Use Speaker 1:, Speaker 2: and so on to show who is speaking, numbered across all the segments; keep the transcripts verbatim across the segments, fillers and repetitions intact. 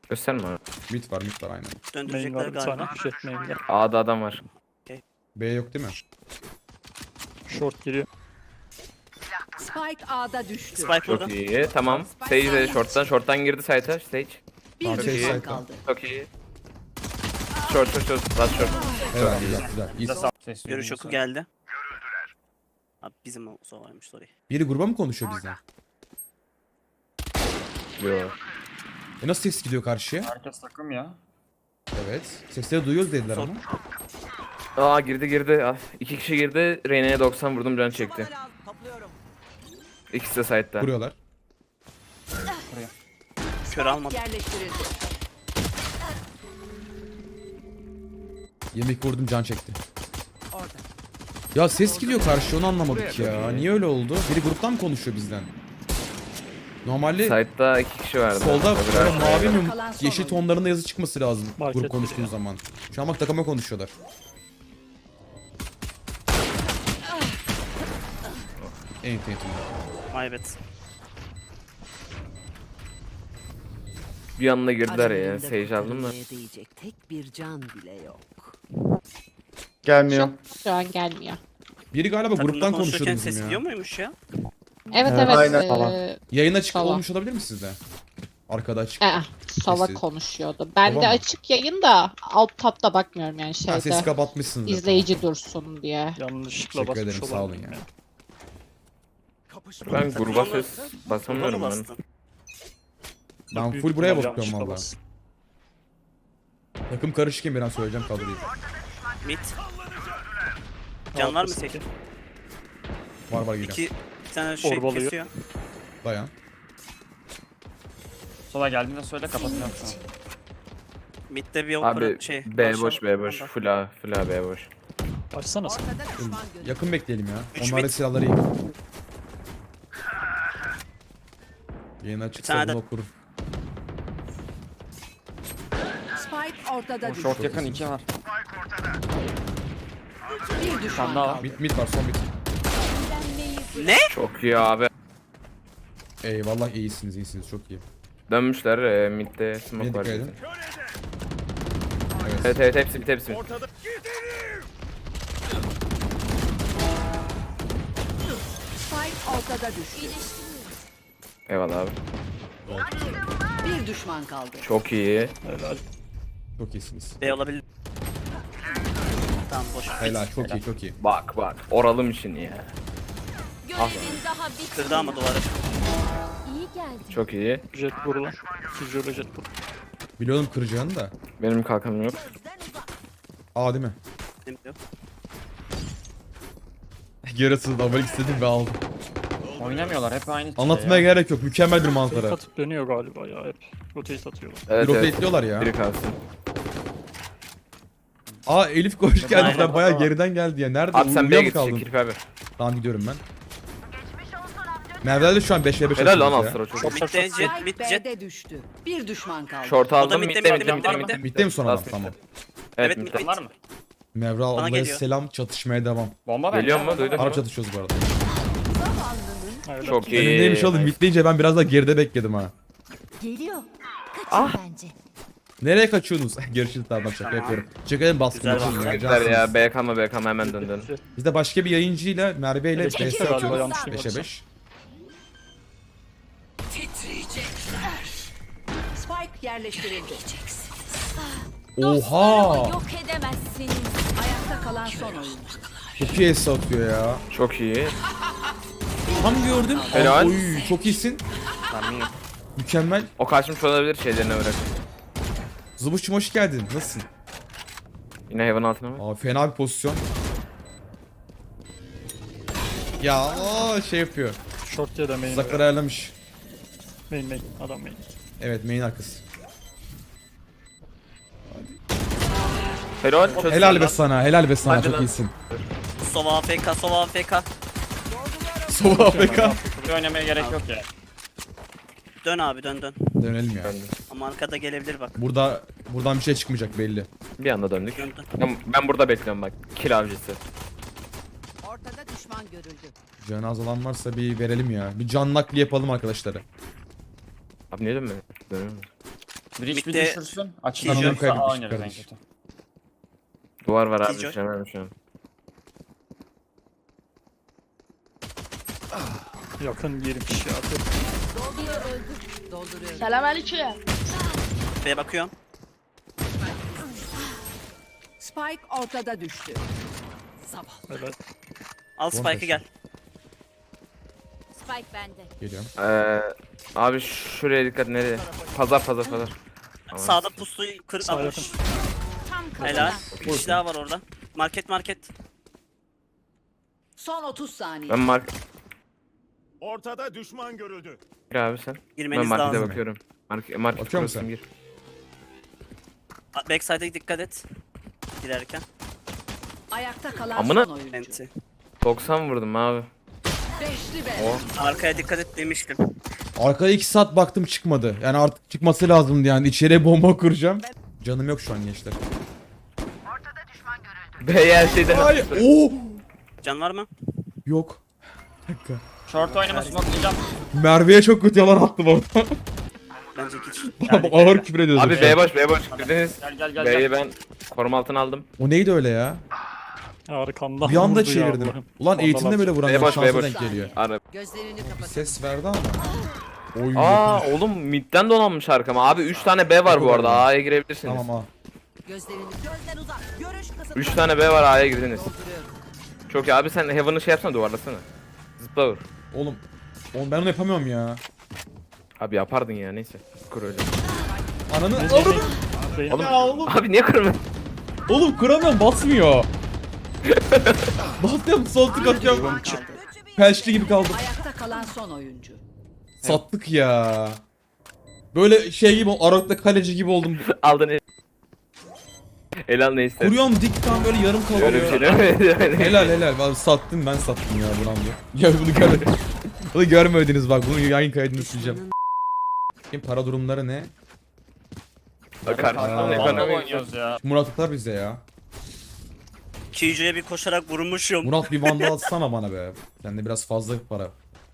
Speaker 1: Gösterme abi.
Speaker 2: Mid var mid var aynen.
Speaker 3: Main
Speaker 4: Döndürecekler
Speaker 3: var bir tane.
Speaker 4: galiba.
Speaker 3: Şey main'de.
Speaker 1: A'da adam var.
Speaker 2: B yok değil mi?
Speaker 3: Short giriyor.
Speaker 5: Spike A'da düştü.
Speaker 4: Spike
Speaker 1: Çok
Speaker 4: burada.
Speaker 1: iyi. Tamam. Sage de short'tan. Short'tan girdi site'a. Stage.
Speaker 5: Bir
Speaker 2: Tamam,
Speaker 5: düşman
Speaker 2: şey,
Speaker 5: kaldı.
Speaker 1: Çok iyi. Short short short. Last short.
Speaker 2: Evet güzel güzel. İyi.
Speaker 4: Görüş oku geldi. Abi bizim o varmış sorry.
Speaker 2: Biri gruba mı konuşuyor bizden?
Speaker 1: Yo.
Speaker 2: E nasıl ses gidiyor karşıya?
Speaker 6: Herkes takım ya.
Speaker 2: Evet. Sesleri duyuyoruz dediler
Speaker 4: Sor.
Speaker 2: ama.
Speaker 1: Aa girdi girdi. Ah, iki kişi girdi. Reyna'ya doksan vurdum, can çekti. İkisi de site'da.
Speaker 2: Vuruyorlar.
Speaker 4: Kör almadı.
Speaker 5: Yerleştirildi.
Speaker 2: Yemek vurdum can çekti.
Speaker 5: Orada.
Speaker 2: Ya ses gidiyor karşıya onu anlamadık ya. Niye öyle oldu? Biri gruptan mı konuşuyor bizden? Normalde
Speaker 1: Site'da iki kişi vardı.
Speaker 2: solda
Speaker 1: Öbür
Speaker 2: böyle
Speaker 1: arkaya
Speaker 2: mavi
Speaker 1: geldi.
Speaker 2: mi yeşil tonlarında yazı çıkması lazım
Speaker 3: Market
Speaker 2: grup konuştuğun
Speaker 3: ya.
Speaker 2: zaman. Şu an bak takıma konuşuyorlar. Ent ent.
Speaker 4: Ay evet.
Speaker 1: Bir yanına girdiler ya.
Speaker 5: Aralarında
Speaker 1: Sage aldım da.
Speaker 5: kurtarılmaya değecek tek bir can bile yok.
Speaker 7: Gelmiyor.
Speaker 8: Şu an gelmiyor.
Speaker 2: Biri galiba
Speaker 4: Takımda
Speaker 2: gruptan
Speaker 4: konuşurken
Speaker 2: konuşuyordu
Speaker 4: ses
Speaker 2: bizim
Speaker 4: gidiyor
Speaker 2: ya.
Speaker 4: muymuş ya?
Speaker 8: Evet
Speaker 7: Evet,
Speaker 8: evet.
Speaker 7: aynen.
Speaker 8: eee,
Speaker 7: Tamam.
Speaker 2: Yayın açık
Speaker 8: Tamam.
Speaker 2: olmuş olabilir mi sizde? Arkada açık.
Speaker 8: ee, Sova
Speaker 2: Sesi.
Speaker 8: konuşuyordu. Ben
Speaker 2: Sova
Speaker 8: de
Speaker 2: mı?
Speaker 8: açık yayın da alt tabda bakmıyorum yani
Speaker 2: Ha, sesi
Speaker 8: şeyde.
Speaker 2: kapatmışsınız.
Speaker 8: İzleyici dursun diye.
Speaker 3: Yanlışlıkla
Speaker 2: Teşekkür
Speaker 3: basmış
Speaker 2: ederim, sağ olun
Speaker 3: olabilirim
Speaker 2: ya.
Speaker 1: Ben gruba
Speaker 4: Takımda-
Speaker 1: ses
Speaker 4: Burada
Speaker 1: basamıyorum
Speaker 4: mı
Speaker 1: ben.
Speaker 4: bastın?
Speaker 2: Ben
Speaker 3: Büyük
Speaker 2: full buraya
Speaker 3: ihtimal
Speaker 2: bakıyorum
Speaker 3: yanlışlıkla
Speaker 2: valla.
Speaker 3: bastım.
Speaker 2: Takım karışıkken bir an söyleyeceğim kadroyu.
Speaker 4: Mid. Can var mı
Speaker 3: Arkası.
Speaker 4: tek?
Speaker 2: Var var geliyor.
Speaker 4: İki bir tane şey
Speaker 3: Orbalıyor.
Speaker 4: kesiyor.
Speaker 2: Dayan.
Speaker 6: Sola geldiğinde söyle kapatacağım sana.
Speaker 4: Mid'de bir
Speaker 1: Abi
Speaker 4: opera şey.
Speaker 1: B
Speaker 4: aşağı-
Speaker 1: boş B boş.
Speaker 4: Ondan.
Speaker 1: Full A. Full A B boş.
Speaker 3: Açsana sen.
Speaker 5: Ortada düşman görüldü.
Speaker 2: Yakın bekleyelim ya.
Speaker 4: Üç
Speaker 2: Onlar da
Speaker 4: mid.
Speaker 2: silahları iyi. Yayın açıksa
Speaker 4: tane
Speaker 2: bunu
Speaker 4: de-
Speaker 2: okur.
Speaker 5: Spike ortada düştü.
Speaker 6: Short yakın iki var.
Speaker 5: Bir düşman
Speaker 6: daha var.
Speaker 5: kaldı.
Speaker 2: Mid mid var son mid.
Speaker 4: Ne?
Speaker 1: Çok iyi abi.
Speaker 2: Eyvallah iyisiniz iyisiniz çok iyi.
Speaker 1: Dönmüşler. E, mid'de smoke
Speaker 2: Neye
Speaker 1: var.
Speaker 2: dikkat edin. Evet.
Speaker 1: Evet evet hepsi mid hepsi mid.
Speaker 5: Spike ortada düştü.
Speaker 1: Eyvallah abi.
Speaker 5: Bir düşman kaldı.
Speaker 1: Çok iyi.
Speaker 3: Helal.
Speaker 2: Çok iyisiniz.
Speaker 4: B olabilir. Tamam boş.
Speaker 2: Helal çok iyi çok iyi.
Speaker 1: Bak bak. Oralım için ya.
Speaker 9: Görevin daha bitmedi.
Speaker 4: Kırdı ama duvarı.
Speaker 9: İyi geldi.
Speaker 1: Çok iyi.
Speaker 3: Jet burada. Füzyörle jet burada.
Speaker 2: Biliyordum kıracağını da.
Speaker 1: Benim kalkanım yok.
Speaker 2: Aa değil mi?
Speaker 4: Yok.
Speaker 2: Yarısını da istedim ve aldım.
Speaker 6: Oynamıyorlar hep aynı şey
Speaker 2: Anlatmaya
Speaker 6: ya.
Speaker 2: gerek yok. Mükemmel bir
Speaker 3: Fake
Speaker 2: manzara.
Speaker 3: atıp dönüyor galiba ya hep. Rotate atıyorlar.
Speaker 1: Evet
Speaker 2: Bir
Speaker 1: evet.
Speaker 2: rotate'liyorlar ya.
Speaker 1: Biri kalsın.
Speaker 2: Aa Elif koş geldi.
Speaker 4: Aynen.
Speaker 2: Ben bayağı geriden geldi ya. Nerede?
Speaker 1: Abi sen
Speaker 2: Uyuya
Speaker 1: B'ye
Speaker 2: mı
Speaker 1: git.
Speaker 2: kaldın?
Speaker 1: Kirpi abi.
Speaker 2: Tamam gidiyorum ben. Merve'de şu an beş ve beş
Speaker 1: Helal lan
Speaker 2: atıyoruz ya.
Speaker 1: Astra çok iyi.
Speaker 3: Short short
Speaker 4: Mid'de
Speaker 3: short.
Speaker 4: jet
Speaker 5: Spike
Speaker 4: mid jet.
Speaker 5: B'de düştü. Bir düşman kaldı.
Speaker 1: Short aldım.
Speaker 4: midde,
Speaker 1: Mid'de
Speaker 4: midde,
Speaker 1: mid'de
Speaker 4: midde,
Speaker 1: midde
Speaker 4: midde.
Speaker 1: midde.
Speaker 2: Bitti mi son adam?
Speaker 1: Last
Speaker 2: Tamam.
Speaker 1: Evet
Speaker 4: Evet,
Speaker 1: midde.
Speaker 4: mid.
Speaker 6: Var mı?
Speaker 2: Mevra
Speaker 4: Bana
Speaker 2: ablaya
Speaker 4: geliyor.
Speaker 2: selam, çatışmaya devam.
Speaker 6: Bomba bence.
Speaker 1: Geliyor mu? Duydun
Speaker 2: Harp
Speaker 1: mu?
Speaker 2: çatışıyoruz bu arada.
Speaker 3: Helal.
Speaker 1: Çok iyi.
Speaker 2: Önündeymiş oğlum. Mitleyince ben biraz daha geride bekledim ha.
Speaker 9: Geliyor. Kaçın
Speaker 1: Ah.
Speaker 9: bence.
Speaker 2: Nereye kaçıyorsunuz? Görüşürüz tamam şaka
Speaker 4: Tamam.
Speaker 2: yapıyorum. Çekelim baskın
Speaker 4: Güzel
Speaker 2: yapalım ya.
Speaker 4: baskın.
Speaker 1: Ver
Speaker 2: cansınız.
Speaker 1: ya B kalma B kalma hemen dön dön.
Speaker 2: Biz de başka bir yayıncıyla Merve ile
Speaker 3: Evet,
Speaker 2: B
Speaker 3: kimse
Speaker 2: S
Speaker 3: galiba
Speaker 2: atıyoruz.
Speaker 3: yanlış
Speaker 2: beşe
Speaker 3: duymadıysam.
Speaker 2: beş.
Speaker 5: Spike yerleştirildi.
Speaker 2: Oha!
Speaker 9: Yok edemezsiniz.
Speaker 5: Ayakta kalan son oyuncu.
Speaker 2: Çok iyi S atıyor ya.
Speaker 1: Çok iyi.
Speaker 2: Tam gördüm.
Speaker 1: Helal.
Speaker 2: Oy çok iyisin.
Speaker 1: Tamam iyi.
Speaker 2: Mükemmel.
Speaker 1: O kaçmış olabilir şeylerine bırak.
Speaker 2: Zıbuşçum hoş geldin. Nasılsın?
Speaker 1: Yine hayvan altına mı?
Speaker 2: Aa fena bir pozisyon. Ya aa, şey yapıyor.
Speaker 3: Short ya da main.
Speaker 2: Tuzakları ayarlamış.
Speaker 3: Main main. Adam main.
Speaker 2: Evet main arkası.
Speaker 1: Helal. Çok
Speaker 2: Helal
Speaker 1: iyi
Speaker 2: be
Speaker 1: lan.
Speaker 2: sana, helal be sana.
Speaker 1: Hadi
Speaker 2: Çok
Speaker 1: lan.
Speaker 2: iyisin.
Speaker 4: Sova A F K, Sova A F K.
Speaker 2: Sova A F K.
Speaker 6: Çok oynamaya gerek yok ya.
Speaker 4: Dön abi dön dön.
Speaker 2: Dönelim ya.
Speaker 4: Ama arkada gelebilir bak.
Speaker 2: Burada buradan bir şey çıkmayacak belli.
Speaker 1: Bir anda döndük.
Speaker 4: Dön dön.
Speaker 1: Ben, ben burada bekliyorum bak. Kill avcısı.
Speaker 5: Ortada düşman görüldü.
Speaker 2: Canı olan varsa bir verelim ya. Bir can nakli yapalım arkadaşlara.
Speaker 1: Abi niye dönmüyor? Dönüyor mu?
Speaker 6: Bridge bir
Speaker 4: Mid'de-
Speaker 6: düşürsün. Açın
Speaker 2: Killjoy
Speaker 6: alırsa
Speaker 2: kaybetmiş
Speaker 6: A oynarız en
Speaker 2: kardeş.
Speaker 6: kötü.
Speaker 1: Duvar var abi
Speaker 4: Killjoy.
Speaker 1: düşemem şu an.
Speaker 3: Yakın girmiş ya.
Speaker 9: Biri öldü.
Speaker 5: Dolduruyorum.
Speaker 8: Selamünaleyküm.
Speaker 4: B'ye bakıyorum.
Speaker 5: Spike ortada düştü. Zavallı.
Speaker 3: Evet.
Speaker 4: Al Spike'ı gel.
Speaker 9: Spike bende.
Speaker 2: Geliyorum.
Speaker 1: Ee, abi şuraya dikkat, nereye? Pazar pazar pazar. Tamam.
Speaker 4: Sağda pusuyu kır
Speaker 3: Sağ
Speaker 4: almış.
Speaker 3: yakın.
Speaker 9: Tam
Speaker 4: Helal.
Speaker 9: kafadan.
Speaker 4: Bir kişi daha var orada. Market market.
Speaker 5: Son otuz saniye.
Speaker 1: Ben mark
Speaker 7: Ortada düşman görüldü.
Speaker 1: abi sen. Ben
Speaker 4: Girmeniz
Speaker 1: markete
Speaker 4: lazım.
Speaker 1: bakıyorum. Market market
Speaker 2: Bakıyor musun
Speaker 1: kurasın,
Speaker 2: sen?
Speaker 1: gir.
Speaker 4: Backside'e dikkat et. Girerken.
Speaker 5: Ayakta kalan
Speaker 1: Amına-
Speaker 5: son oyuncu.
Speaker 4: Enti.
Speaker 1: doksan vurdum abi.
Speaker 5: Beşli be.
Speaker 1: O.
Speaker 4: Arkaya dikkat et demiştim.
Speaker 2: Arkaya iki saat baktım çıkmadı. Yani artık çıkması lazımdı yani. İçeriye bomba kuracağım. Canım yok şu an gençler.
Speaker 1: B'ye her şeyden
Speaker 2: Ay, oo!
Speaker 4: Can var mı?
Speaker 2: Yok. Bir dakika.
Speaker 6: Short oynama smokelayacağım.
Speaker 2: Merve'ye çok kötü yalan attım orada.
Speaker 4: Bence hiç.
Speaker 2: Ağır küfür ediyordu.
Speaker 1: Abi B boş B boş. Girdiniz.
Speaker 6: Gel gel gel.
Speaker 1: B'yi
Speaker 6: gel.
Speaker 1: ben koruma altına aldım.
Speaker 2: O neydi öyle ya?
Speaker 3: Arkamdan
Speaker 2: Bir anda
Speaker 3: vurdu ya
Speaker 2: çevirdim.
Speaker 3: Allah'ım.
Speaker 2: Ulan eğitimde böyle
Speaker 1: B
Speaker 2: vuranlar
Speaker 1: boş, B
Speaker 2: şansa
Speaker 1: boş.
Speaker 2: denk geliyor.
Speaker 1: Ara.
Speaker 5: Gözlerini kapat.
Speaker 2: Ses verdi ama. Oy.
Speaker 1: Aa oğlum midden donanmış arkama. Abi üç tane B var bu arada. A'ya girebilirsiniz.
Speaker 2: Tamam ha.
Speaker 5: Gözlerini gözden uzak. Görüş kısıtlı.
Speaker 1: üç tane B var, A'ya girdiniz.
Speaker 5: Dolduruyorum.
Speaker 1: Çok iyi abi, sen Heaven'ı şey yapsana, duvarlasana. Zıpla vur.
Speaker 2: Oğlum. Oğlum ben onu yapamıyorum ya.
Speaker 1: Abi yapardın ya, neyse. Kur öyle.
Speaker 2: Ananı
Speaker 3: Main,
Speaker 2: oğlum.
Speaker 3: main. Main.
Speaker 1: Oğlum,
Speaker 2: Ya oğlum.
Speaker 1: abi niye kırmıyorsun?
Speaker 2: Oğlum kuramıyorum basmıyor. Basıyorum sol tık atıyorum. Pelçli gibi kaldım.
Speaker 5: Ayakta kalan son oyuncu.
Speaker 2: Sattık ya. Böyle şey gibi Arok'ta kaleci gibi oldum.
Speaker 1: Aldın el. Elal ne ister?
Speaker 2: Kuruyorum dik tam böyle yarım kalıyor.
Speaker 1: Öyle bir şey değil mi?
Speaker 2: Helal helal. Abi sattım ben sattım ya bu roundu. Ya bunu görmediniz. Bunu görmediniz bak, bunu yayın kaydını sileceğim. Şimdi para durumları ne?
Speaker 1: Karşıdan
Speaker 2: Aa.
Speaker 6: Vandal
Speaker 1: ekonomi.
Speaker 6: oynuyoruz ya.
Speaker 2: Murat atar bize ya.
Speaker 4: Killjoy'a bir koşarak vurmuşum.
Speaker 2: Murat bir vandal atsana bana be. Sende biraz fazla para.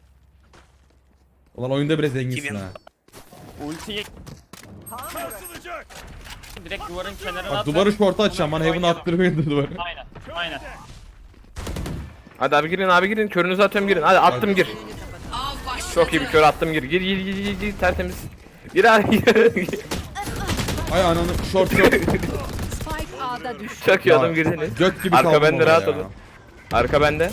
Speaker 2: Ulan oyunda bile zenginsin
Speaker 4: Kim ya?
Speaker 2: ha.
Speaker 6: Ultiyi
Speaker 7: Sarsılacak.
Speaker 6: direkt duvarın kenarına
Speaker 2: Bak
Speaker 6: at.
Speaker 2: duvarı şorta açacağım, bana heaven attırmayın duvarı.
Speaker 6: Aynen. Aynen.
Speaker 1: Hadi abi girin, abi girin. Körünüzü atıyorum, girin. Hadi attım, gir. Çok iyi bir kör attım, gir. Gir gir gir gir, gir. Tertemiz. Gir abi. gir.
Speaker 2: Ay ananı short short.
Speaker 5: Spike A'da düştü.
Speaker 1: Çok iyi
Speaker 2: Ya,
Speaker 1: oğlum, girdiniz.
Speaker 2: Göt gibi
Speaker 1: Arka
Speaker 2: kaldım
Speaker 1: bende,
Speaker 2: orada
Speaker 1: rahat
Speaker 2: ya.
Speaker 1: olun. Arka bende.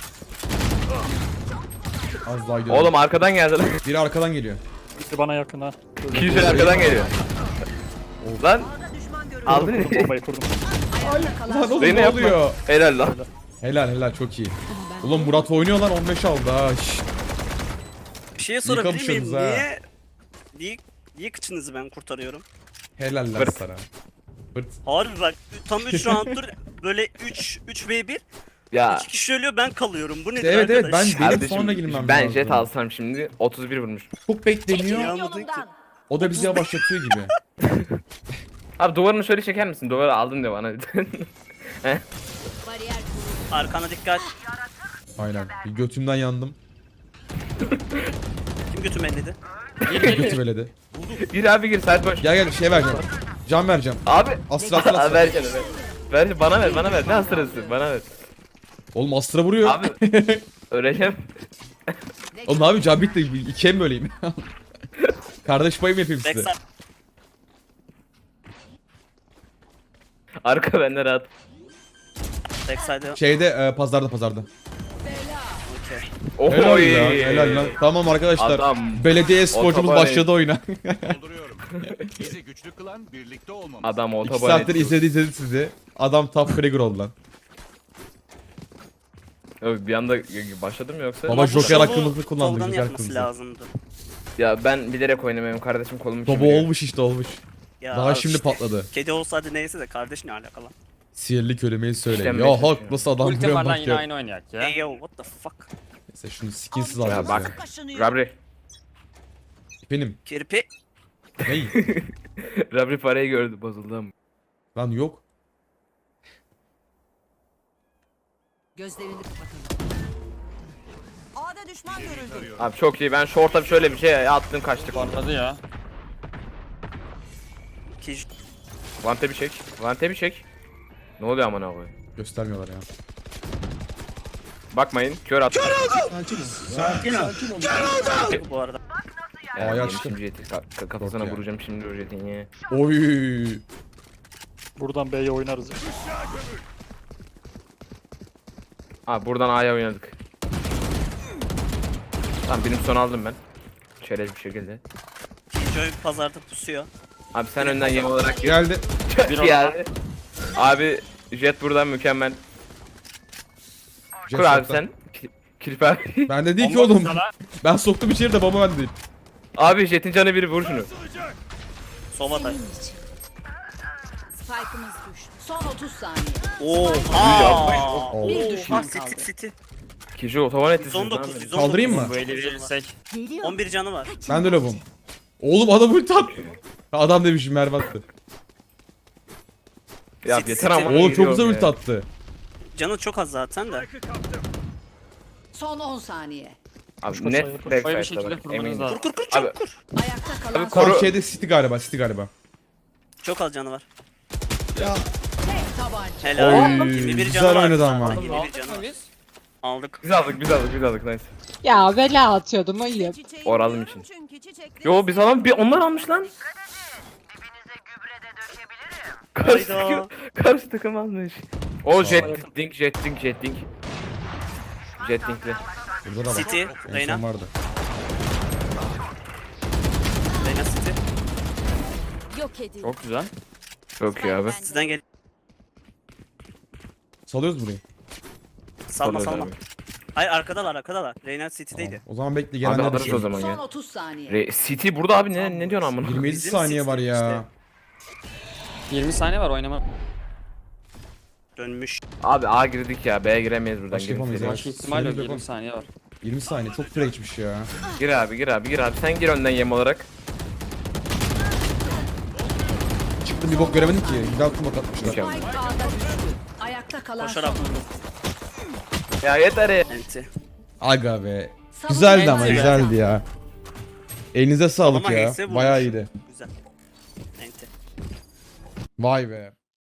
Speaker 2: Az daha gidiyorum.
Speaker 1: Oğlum arkadan geldi lan.
Speaker 2: Biri arkadan geliyor.
Speaker 3: Biri bana yakın ha.
Speaker 1: Kişi arkadan geliyor. Lan aldın
Speaker 3: Kurdum
Speaker 1: mı?
Speaker 3: bombayı kurdum.
Speaker 5: Ayakta kalan
Speaker 2: Lan oğlum
Speaker 1: Beni
Speaker 2: ne
Speaker 1: yapma.
Speaker 2: oluyor?
Speaker 1: Helal lan.
Speaker 2: Helal helal çok iyi. Ulan Murat oynuyor lan, on beş aldı ha. Şşt.
Speaker 4: Bir şey sorabilir miyim?
Speaker 2: kapışıyorsunuz ha.
Speaker 4: Niye? Niye? Niye kıçınızı ben kurtarıyorum?
Speaker 2: Helal lan
Speaker 1: Fırt.
Speaker 2: sana. Fırt.
Speaker 4: Harbi bak tam üç rounddur böyle üç üç ve bir
Speaker 1: Ya
Speaker 4: iki kişi ölüyor ben kalıyorum. Bu nedir
Speaker 2: Evet evet
Speaker 4: arkadaş?
Speaker 2: ben benim
Speaker 1: kardeşim,
Speaker 2: sonra girmem
Speaker 1: ben
Speaker 2: lazım.
Speaker 1: jet alsam şimdi otuz bir vurmuş.
Speaker 2: Çok bekleniyor.
Speaker 4: Yağmadın ki.
Speaker 2: O da bizi yavaşlatıyor gibi.
Speaker 1: Abi duvarını şöyle çeker misin? Duvarı aldın de bana.
Speaker 9: Bariyer kuruldu.
Speaker 4: Arkana dikkat.
Speaker 2: Aynen. Bir götümden yandım.
Speaker 4: Kim götüm elledi?
Speaker 2: Götüm eledi.
Speaker 1: Gir abi gir, saat boş.
Speaker 2: Gel gel şey vereceğim. Can vereceğim.
Speaker 1: Abi.
Speaker 2: Astra astra
Speaker 1: Abi
Speaker 2: astra.
Speaker 1: ver canım ver. Ver bana ver, bana ver. Ne hasırası? Bana ver.
Speaker 2: Oğlum astra vuruyor.
Speaker 1: Abi. Öleceğim.
Speaker 2: Oğlum abi can bitti. İkiye mi böleyim? Kardeş payı mı yapayım size?
Speaker 4: Backside.
Speaker 1: Arka bende rahat.
Speaker 4: Backside'e.
Speaker 2: Şeyde e, pazarda pazarda.
Speaker 4: Okey.
Speaker 2: Helal
Speaker 1: Oy.
Speaker 2: lan, helal lan. Tamam arkadaşlar.
Speaker 1: Adam.
Speaker 2: Belediye sporcumuz
Speaker 1: Otobahn.
Speaker 2: başladı oyuna.
Speaker 7: Dolduruyorum. Bizi güçlü kılan birlikte olmamız.
Speaker 1: Adam
Speaker 2: İki
Speaker 1: otoban
Speaker 2: saattir
Speaker 1: etti.
Speaker 2: izledi izledi sizi. Adam top fragger oldu lan.
Speaker 1: Yok, bir anda başladım yoksa.
Speaker 2: Baba
Speaker 4: Bu
Speaker 2: Joker
Speaker 4: şovu
Speaker 2: hakkımızı kullandı.
Speaker 4: Tolga'nın
Speaker 2: Joker
Speaker 4: yapması
Speaker 2: hakkımızı.
Speaker 4: lazımdı.
Speaker 1: Ya ben bilerek oynamıyorum kardeşim, kolum
Speaker 2: Baba
Speaker 1: üşümüyor.
Speaker 2: olmuş işte olmuş.
Speaker 4: Ya
Speaker 2: Daha şimdi
Speaker 4: işte,
Speaker 2: patladı.
Speaker 4: Kedi olsaydı neyse de kardeş ne alakalı?
Speaker 2: Sihirli kelimeyi söyle.
Speaker 1: İşlenmeye
Speaker 2: Ya Hulk
Speaker 1: çalışıyor.
Speaker 2: nasıl adam
Speaker 6: Ulti
Speaker 2: vuruyor
Speaker 6: var lan,
Speaker 2: bak
Speaker 6: yine
Speaker 2: ya.
Speaker 6: aynı oynayak ya.
Speaker 4: Hey yo what the fuck?
Speaker 2: Neyse şunu skinsiz
Speaker 1: Ya
Speaker 2: alacağız ya.
Speaker 1: bak. Rabri.
Speaker 2: Benim.
Speaker 4: Kirpi.
Speaker 2: Ney?
Speaker 1: Rabri parayı gördü, bozuldu ama.
Speaker 2: Lan yok.
Speaker 5: Gözlerini kapatın. A'da düşman görüldü.
Speaker 1: Abi çok iyi, ben short'a şöyle bir şey attım, kaçtık.
Speaker 6: Patladı ya.
Speaker 4: Kej.
Speaker 1: Vante bir çek. Vante bir çek. Ne oluyor amına koyayım?
Speaker 2: Göstermiyorlar ya.
Speaker 1: Bakmayın kör attı.
Speaker 4: Bu arada.
Speaker 1: Ya,
Speaker 2: Aa,
Speaker 1: yedim
Speaker 2: açtı.
Speaker 1: şimdi jeti. Ka- ka- kafasına
Speaker 2: Yok ya.
Speaker 1: vuracağım şimdi o jetin ya.
Speaker 2: Oy.
Speaker 3: Buradan B'ye oynarız.
Speaker 1: Abi buradan A'ya oynadık. Tamam benim son aldım ben. Çerez bir şekilde.
Speaker 4: Killjoy pazarda pusuyor.
Speaker 1: Abi sen önden yem olarak gir.
Speaker 2: Geldi.
Speaker 1: Bir geldi. Abi jet buradan mükemmel. Kur abi sen. Ki- Kirp abi.
Speaker 2: Ben de değil ki
Speaker 3: Bomba
Speaker 2: oğlum.
Speaker 3: sana.
Speaker 2: Ben soktum içeri de bomba ben değil.
Speaker 1: Abi jetin canı biri vur şunu.
Speaker 4: Sova'da.
Speaker 9: Spike'ımız düştü.
Speaker 5: Son otuz saniye.
Speaker 4: Oha.
Speaker 2: Oo.
Speaker 5: Bir
Speaker 4: Oha
Speaker 5: düşman
Speaker 4: City
Speaker 5: kaldı.
Speaker 4: City.
Speaker 1: Kişi otoban etti
Speaker 4: yüz
Speaker 1: siz
Speaker 4: on dokuz,
Speaker 1: lan.
Speaker 4: yüz on dokuz.
Speaker 2: Kaldırayım mı?
Speaker 6: Bu eli verirsek.
Speaker 5: Geliyor.
Speaker 4: on bir canı var.
Speaker 2: Ben de lobum. Oğlum adam ulti attı. Adam demişim Merve attı.
Speaker 1: Ya
Speaker 4: City,
Speaker 1: yeter
Speaker 4: City.
Speaker 1: ama.
Speaker 2: Oğlum çok
Speaker 1: geliyorum
Speaker 2: güzel
Speaker 1: ya.
Speaker 2: ulti attı.
Speaker 4: Canı çok az zaten de.
Speaker 5: Son on saniye.
Speaker 1: Abi
Speaker 3: Koş,
Speaker 1: net
Speaker 3: koş, koş.
Speaker 1: backside
Speaker 6: Böyle bir şekilde
Speaker 1: eminim.
Speaker 6: kurmanız lazım.
Speaker 4: Kur kur kur
Speaker 1: Abi
Speaker 4: çabuk kur.
Speaker 5: Ayakta kalan
Speaker 1: Abi
Speaker 5: son.
Speaker 1: koru-
Speaker 2: Tam şeyde City galiba, City galiba.
Speaker 4: Çok az canı var.
Speaker 5: Tek tabanca.
Speaker 4: Helal.
Speaker 2: Oy,
Speaker 4: yirmi bir
Speaker 2: güzel
Speaker 4: canı var.
Speaker 2: oynadı ama.
Speaker 4: yirmi bir canı var.
Speaker 6: Biz.
Speaker 4: Aldık.
Speaker 1: biz aldık biz aldık biz aldık nice.
Speaker 8: Ya bela atıyordum ayıp.
Speaker 1: Oralım için. Yo biz alalım bir onlar almış lan. Karşı
Speaker 4: Hayda.
Speaker 1: takım, karşı takım almış. O jet dink jet dink jet dink. Jet dinkli.
Speaker 2: Burada da bak.
Speaker 4: City.
Speaker 2: En son
Speaker 4: Reyna.
Speaker 2: vardı.
Speaker 4: Reyna City.
Speaker 9: Yok edildi.
Speaker 1: Çok güzel. Çok iyi abi.
Speaker 4: Sizden gel.
Speaker 2: Salıyoruz burayı.
Speaker 4: Salma
Speaker 1: Salıyoruz
Speaker 4: salma.
Speaker 1: abi.
Speaker 4: Hayır arkadalar arkadalar. Reyna City'deydi.
Speaker 2: O zaman bekle
Speaker 1: Abi
Speaker 2: gelenler de
Speaker 1: alırız
Speaker 2: şey.
Speaker 1: o zaman
Speaker 5: Son
Speaker 1: ya.
Speaker 5: otuz saniye.
Speaker 1: Re City burada abi ne ne diyorsun amına?
Speaker 2: yirmi yedi
Speaker 4: Bizim
Speaker 2: saniye
Speaker 4: City
Speaker 2: var ya.
Speaker 4: işte.
Speaker 6: yirmi saniye var oynama.
Speaker 4: Dönmüş.
Speaker 1: Abi A girdik ya B'ye giremeyiz buradan.
Speaker 2: Başka
Speaker 1: Girin
Speaker 2: yapamayız
Speaker 1: seri.
Speaker 2: ya.
Speaker 6: Başka ihtimal yok.
Speaker 2: Sinirli
Speaker 6: yirmi
Speaker 2: yapalım.
Speaker 6: saniye var.
Speaker 2: yirmi saniye çok süre geçmiş ya.
Speaker 1: Gir abi gir abi gir abi sen gir önden yem olarak.
Speaker 2: Çıktım bir bok göremedim ki. Güzel kumak atmışlar.
Speaker 1: Mükemmel.
Speaker 5: Spike A'da düştü. Ayakta kalan
Speaker 4: Koşarak
Speaker 5: son.
Speaker 4: vurdu.
Speaker 1: Ya yeter ya.
Speaker 4: Enti.
Speaker 2: Aga be.
Speaker 5: Savunma
Speaker 2: Güzeldi ama
Speaker 4: Enti.
Speaker 2: güzeldi ya. Elinize sağlık
Speaker 4: Ama
Speaker 2: ya.
Speaker 4: H'se vurmuş.
Speaker 2: Bayağı iyiydi.
Speaker 4: Güzel. Enti.
Speaker 2: Vay be.